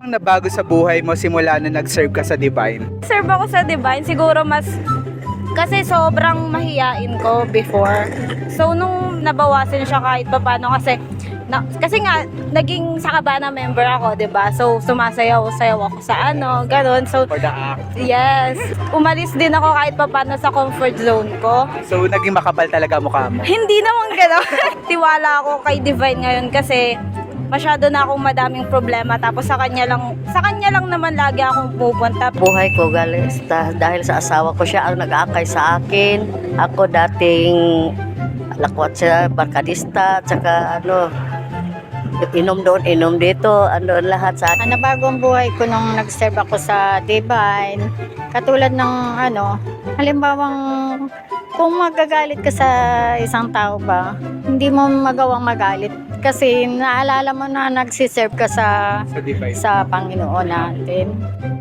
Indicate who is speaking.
Speaker 1: ang nabago sa buhay mo simula na nag-serve ka sa Divine?
Speaker 2: Serve ako sa Divine, siguro mas kasi sobrang mahiyain ko before. So nung nabawasan siya kahit papaano kasi nga naging Sakabana member ako, 'di ba? So sumasayaw-sayaw ako sa ganun. So
Speaker 1: For the act.
Speaker 2: yes, umalis din ako kahit papaano sa comfort zone ko.
Speaker 1: So, naging makapal talaga mukha mo.
Speaker 2: Hindi naman gano'n. Tiwala ako kay Divine ngayon kasi masyado na akong madaming problema tapos sa kanya lang naman lagi akong pupunta.
Speaker 3: Buhay ko dahil sa asawa ko, siya ang nag-aakay sa akin. Ako dating lakwat siya, barkadista, tsaka inom doon, inom dito, lahat sa akin.
Speaker 4: Nabago ang buhay ko nung nag-serve ako sa Divine. Katulad ng halimbawang kung magagalit ka sa isang tao ba, hindi mo magawang magalit. Kasi naalala mo na nagsiserve ka
Speaker 1: Sa Divine.
Speaker 4: sa Panginoon natin.